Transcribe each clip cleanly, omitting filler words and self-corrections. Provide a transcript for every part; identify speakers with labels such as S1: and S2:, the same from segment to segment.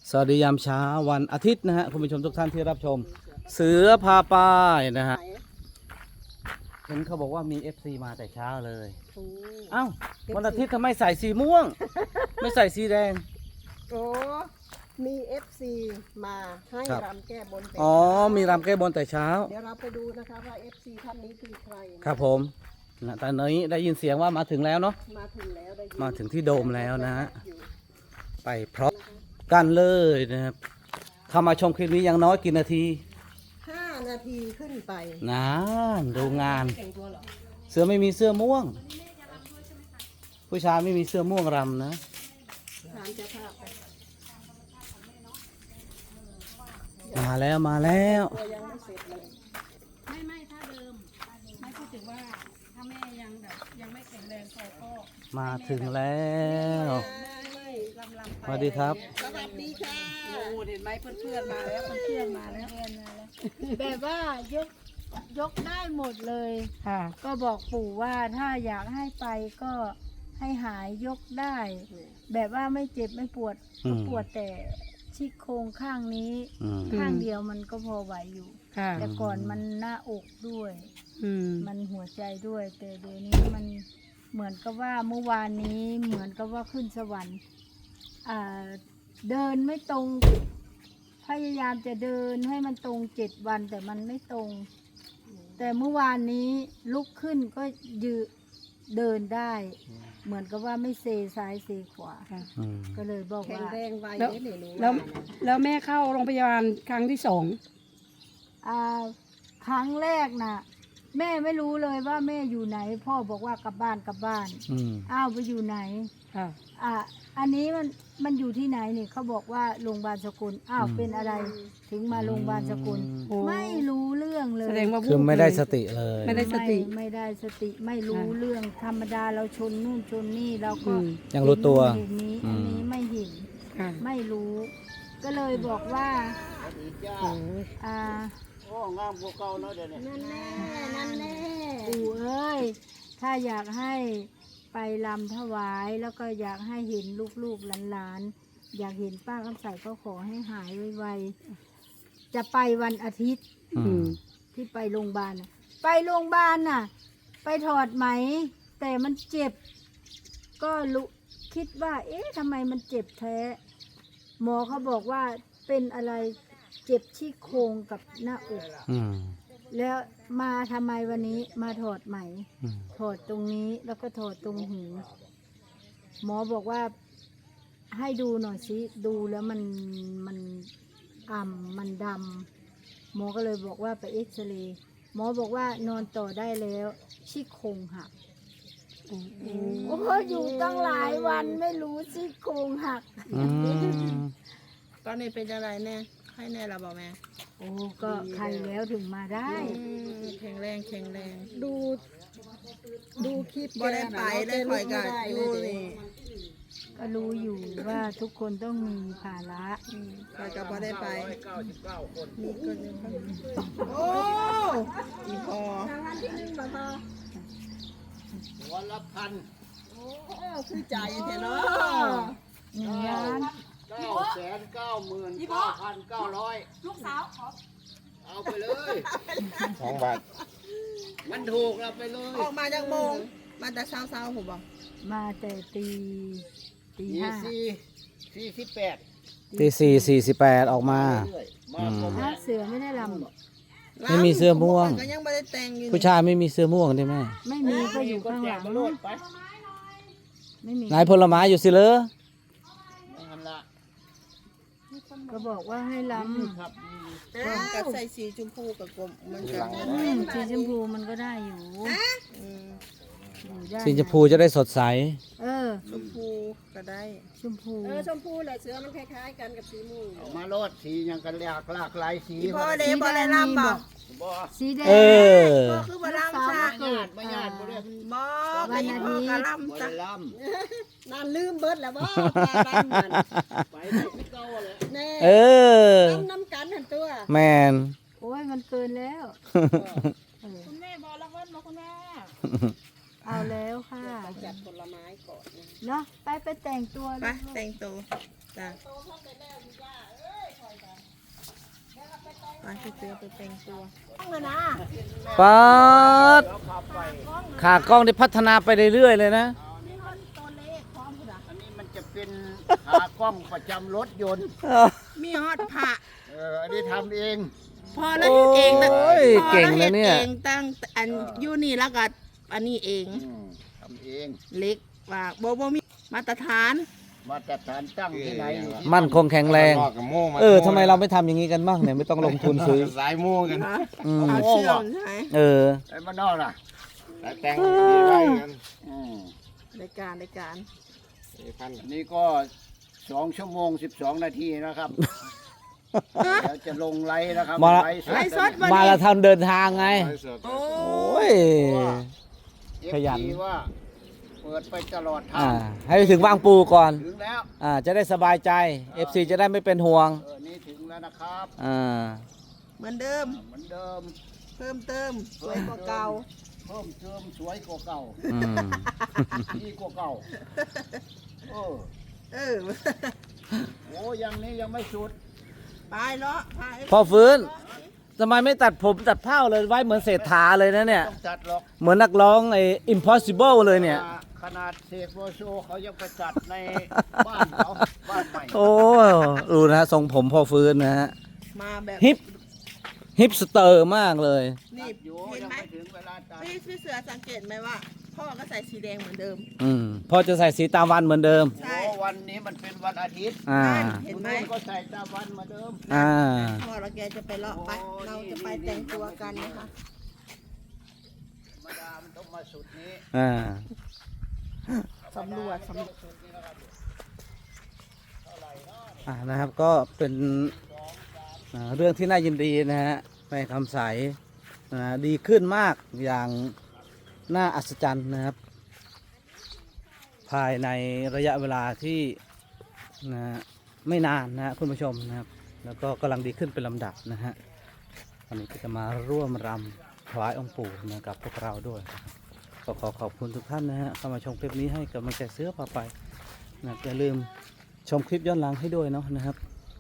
S1: สวัสดียามเช้าวันอาทิตย์นะฮะคุณผู้ชมทุกท่านที่รับชมเสือพาป้ายนะฮะเห็นเขาบอกว่ามี FC มาแต่เช้าเลยเอ้าวันอาทิตย์ทำไมใส่สีม่วง ไม่ใส่สีแดง
S2: โอ้มีเอฟซีมาให้
S1: ครับ
S2: รำแก้บนแต่
S1: อ๋อมีรำแก้บนแต่เช้า
S2: เดี๋ยวเราไปดูนะคะว่าเอฟซีท่านนี้คือใครนะ
S1: ครับผมนะตอนนี้ได้ยินเสียงว่ามาถึงแล้วเนาะ
S2: มาถึงแล้วได้ยิน
S1: มาถึงที่โดมแล้วนะฮะไปพร้อมกันเลยนะครับเข้ามาชมคลิปนี้ยังน้อยกี่นาที
S2: 5 นาทีขึ้นไป
S1: นานดูงาน
S2: แต่งตัวเหรอ
S1: เสือไม่มีเสื้อม่วง ผู้ชายไม่มีเสื้อม่วงรำนะ
S2: ถามเจ้าภาพไป
S1: มาแล้วมาแล้ว
S2: ตัวยังไม่เสร็จเลย
S3: ไม่ถ้าเดิมไม่พูดถึงว่าถ้าแม่ยังแบบยังไม่แข็งแรงพอก็
S1: มาถึงแล้ว
S3: ลำ
S1: สวัสดีครับ
S2: สวัสดีค่ะ
S3: โอ้เห็นไหมเพื่อนๆมาแล้วเพื่อนๆมาแล้ว
S4: แบบว่ายกได้หมดเลย
S3: ค่ะ
S4: ก็บอกปู่ว่าถ้าอยากให้ไปก็ให้หายยกได้ แบบว่าไม่เจ็บไม่ปวด
S1: อืม
S4: ปวดแต่ชี้โครงข้างนี้
S1: อืม
S4: ข้างเดียวมันก็พอไหวอยู่
S3: ค่ะ
S4: แต่ก่อนมันหน้าอกด้วย
S3: อืม
S4: มันหัวใจด้วย แต่เดี๋ยวนี้มันเหมือนกับว่าเมื่อวานนี้เหมือนกับว่าขึ้นสวรรค์เดินไม่ตรง พยายามจะเดินให้มันตรง7 วันแต่มันไม่ตรง แต่เมื่อวานนี้ลุกขึ้นก็ยืนเดินได้ เหมือนกับว่าไม่เซซ้ายเซขวา
S1: อืม
S4: ก็เลยบอก
S2: แข็ง
S4: ว่า
S2: แรงไว
S3: แล้ว
S2: เนี่ยหนู
S3: แล้ว
S2: ว่านะ
S3: แล้วแม่เข้าโรงพยาบาลครั้งที่2
S4: อ่าครั้งแรกน่ะ แม่ไม่รู้เลยว่าแม่อยู่ไหน พ่อบอกว่ากลับบ้านกลับบ้าน
S1: อืม
S4: อ้าวไปอยู่ไหน
S3: ค่ะ
S4: อันนี้มันอยู่ที่ไหนนี่เขาบอกว่าโรงพยาบาลสกุลอ้าวเป็นอะไรถึงมาโรงพยาบาลสกุล
S3: โอ้
S4: ไม่รู้เรื่องเลย
S3: แสดงว่า
S1: คือไม่ได้สติเลย
S3: ไม่ได้สติ
S4: ไม่ได้สติไม่รู้เรื่องธรรมดาเราชนนู่นชนนี่เราก็
S3: อืม
S1: ยังรู้ตัว
S4: เห็นนี้อันนี้ไม่เห็น
S3: ค่ะ
S4: ไม่รู้ ก็เลยบอกว่า
S3: โอ้
S4: อ่า
S2: นั่นแน่นั่นแน่
S4: ปู่เอ้ยถ้าอยากให้ไปลำถวายแล้วก็อยากให้เห็นลูกๆหลานๆอยากเห็นป้าคำใสก็ขอให้หายไวๆจะไปวันอาทิตย์
S1: อื
S3: อื
S1: ม
S3: ม
S4: ที่ไปโรงพยาบาลน่ะไปโรงพยาบาลน่ะ ไปถอดไหม แต่มันเจ็บ ก็รู้คิดว่า เอ๊ะทำไมมันเจ็บแท้ หมอเขาบอกว่าเป็นอะไรเจ็บที่โครงกับหน้าอก
S1: อืม
S4: แล้วมาทำไมวันนี้มาถอดไหม
S1: อืม
S4: ถอดตรงนี้แล้วก็ถอดตรงหูหมอบอกว่าให้ดูหน่อยสิดูแล้วมันมันดำหมอก็เลยบอกว่าไปเอ็กซเรย์หมอบอกว่านอนต่อได้แล้วซี่โครงหักโอ้อยู่ตั้งหลายวันไม่รู้ซี่โครงหัก
S1: อืม
S5: ตอนนี้เป็นอะไรแน่ไข้แน่เราบอกแม่
S4: โอ้ก็ใครแล้วถึงมาได้
S5: แข็งแรงแข็งแรง
S2: ดูคลิป
S5: บ่ได้ไปได้คอยกันอยู่นี่
S4: ก็รู้อยู่ว่าทุกคนต้องมีภาระ
S5: คอยกับบ่ได้ไปมีคนหนึ่งโอ้อีพอ
S2: โอ้คือใจแท้เนาะ
S4: หนึ่งล้าน
S6: 999,900
S3: ลูกสาวขอ
S6: เอาไปเลย2 บาท มันถูกเราไปเลย
S5: ออกมาจากโมงมาแต่เช้าผมบอก
S4: มาแต่ตี
S6: ยี่
S4: ห้า
S6: สี่48
S1: ตี4:48ออกมา
S6: เรื่อยๆมาครบ
S4: ถ้าเสือไม่ได้ลำหรอก
S1: ไม่มีเสื้อม่วง
S5: ก็ยังไม่ได้แต่งอยู่
S1: ผู้ชายไม่มีเสื้อม่วงใช่ไหม
S4: ไม่มีก็อยู่ข้างหลัง
S6: มาโลดไป
S4: ไม่มี
S1: นายผลไม้อยู่สิเลย
S6: นั่นละ
S4: ก็บอกว่าให้ล
S6: ครับ
S5: กับใส่สีชมพูกับกลมมันจะ
S4: ำสีชมพูมันก็ได้อยู่
S5: อืม
S4: อยู่ได้
S1: สีชมพูจะได้สดใส
S4: เออ
S5: ชมพูก็ได้
S4: ชมพู
S2: ชมพูแหละเสือมันคล้ายๆกันกับสีม่วง
S6: เอามาโลดสียังกันหลากหลายสี
S5: อีพ่อเด้บ่ได้ลำบอก
S6: บ่
S4: สีแดง
S1: เออ
S5: พ่อคือบ่ลำซะ
S6: ญาติมาญาติบ่ได้
S5: บอกไอ้พ่อก็ลำ
S6: บ่
S5: ซะ
S6: ได้ล
S2: นานลืมเบิดแล้วว่าปลาดำมัน
S6: ำไปได้ที่เก่าเลย
S2: แน่
S1: เออ
S2: น้ำกันหันตัว
S1: แมน
S4: โอ้ยมันเกินแล้ว
S3: คุณแม่บอกรางวัลมาคุณแม่
S4: อเอาแล้วค่ะ
S2: จัดผลไม้ก่อนนะ
S4: เนาะไปแต่งตัว
S5: ไป
S4: ลูก
S5: แต่งตัวจ้ะไปพี่เสือไปแต่งตัว
S1: ป๊าดขากล้องได้พัฒนาไปเรื่อยๆเลยนะ
S6: อันนี้มันจะเป็นขากล้องประจำรถยนต์
S5: มีฮอดผ้า
S6: อันนี้ทำเอง
S5: พอแล้วเฮ็ดเองนะ
S1: โอ้ย
S5: พอ
S1: เก่ง
S5: แล้ว
S1: นะ
S5: เฮ็ด
S1: เนี่ย
S5: เองตั้งอันอยู่นี่แล้วก็อันนี้เอง
S6: ทำเอง
S5: เล็กว่าบ่มีมาตรฐาน
S6: มาตรฐานตั้งที่ไหนอยู่ที่
S1: มั่นคงแข็งแรง ทำไมเราไม่ทำอย่างนี้กันบ้างเนี่ยไม่ต้องลงทุนซื้อ
S6: สายม่วงกัน
S1: อืม
S5: เอาเชื่อมใช่ไหม
S1: เออ
S6: ไอ้มานนอกล่ะ
S7: แต่งดีไว้กัน
S5: รายการ
S7: พัน
S6: อันนี้ก็2 ชั่วโมง 12 นาทีนะครับเดี๋ยวจะลงไลฟ์นะครับ
S1: มา
S5: ไลฟ์สด
S1: มาเราทำเดินทางไง
S7: ไว้สด
S5: โอ้
S1: โอ้ย ขยัน
S6: FT ว่าเปิดไปตลอดทา
S1: อ่าง ให้ไปถึงบางปูก่อน
S6: ถึงแล้ว
S1: จะได้สบายใจ FC จะได้ไม่เป็นห่วง
S6: นี่ถึงแล้วนะครับ
S5: เหมือนเดิม
S6: เหมือนเดิม
S5: เพิ่มเติมสวยกว่าเก่า
S6: เพิ่มเติมสวยกว่าเก่า
S1: อืม
S6: ดีกว่าเก่าเออ
S5: เออ
S6: โอ้ยังนี้ยังไม่สุด
S5: ไปเลาะพา
S1: พอฟื้นทำไมไม่ตัดผมตัดเผ้าเลยไว้เหมือนเศรษฐาเลยนะเนี่ย
S6: ต้องจัดหรอก
S1: เหมือนนักร้องไอ้ impossible เลยเนี่ย
S6: ขนาดเสกโลโซเขายังไปจัดในบ้านเขาบ้านใหม่
S1: โอ้ดูนะฮะทรงผมพอฟื้นนะฮะ
S5: มาแบบ
S1: ฮิปสเตอร์มากเลย
S5: นี่
S6: อยู่
S5: เห็น
S6: ยัง
S5: ไหม
S6: ไม่ถึงเวลาจัด
S5: พี่เสือสังเกตไหมว่า พ่อก็ใส่สีแดงเหมือนเดิม
S1: พอจะใส่สีตามวันเหมือนเดิม
S5: ใช่
S6: โอ้วันนี้มันเป็นวันอาทิตย์
S5: เห็นไหม
S6: คุณก็ใส่ตามวันเหมือนเดิม
S5: พ่อเราแกจะไปเลาะไป เราจะไปแต่งตัวกันนะคะ
S6: ธรรมดามันต้องมาสุดนี้
S5: สำรวจ
S1: นะครับก็เป็นเรื่องที่น่ายินดีนะฮะแม่คำใสดีขึ้นมากอย่างน่าอัศจรรย์นะครับ ภายในระยะเวลาที่นะไม่นานนะคุณผู้ชมนะครับ แล้วก็กำลังดีขึ้นเป็นลำดับนะฮะวันนี้ก็จะมาร่วมรำถวายองค์ปู่นะกับพวกเราด้วยก็ขอขอบคุณทุกท่านนะฮะเข้ามาชมคลิปนี้ให้กำลังใจเสื้อพาไปนะอย่าลืมชมคลิปย้อนหลังให้ด้วยเนาะนะครับ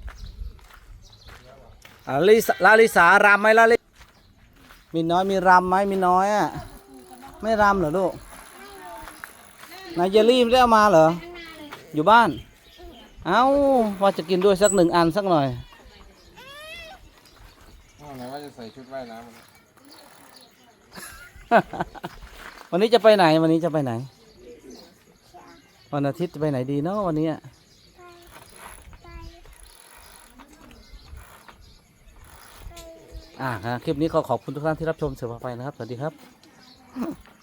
S1: ลาลิสารำไหมลาลิมีน้อยมีรำไหมมีน้อยอ่ะไม่รำเหรอลูกนายเยลลี่ไม่ได้เอามาเหรออยู่บ้าน เอ้าว่าจะกินด้วยสัก1 อันสักหน่อย
S7: ไหนว่าจะใส่ชุดว่ายน้ำ
S1: วันนี้จะไปไหนวันนี้จะไปไหนวันอาทิตย์จะไปไหนดีเนาะวันนี้ครับคลิปนี้ขอขอบคุณทุกท่านที่รับชมเสือพาไปนะครับสวัสดีครับ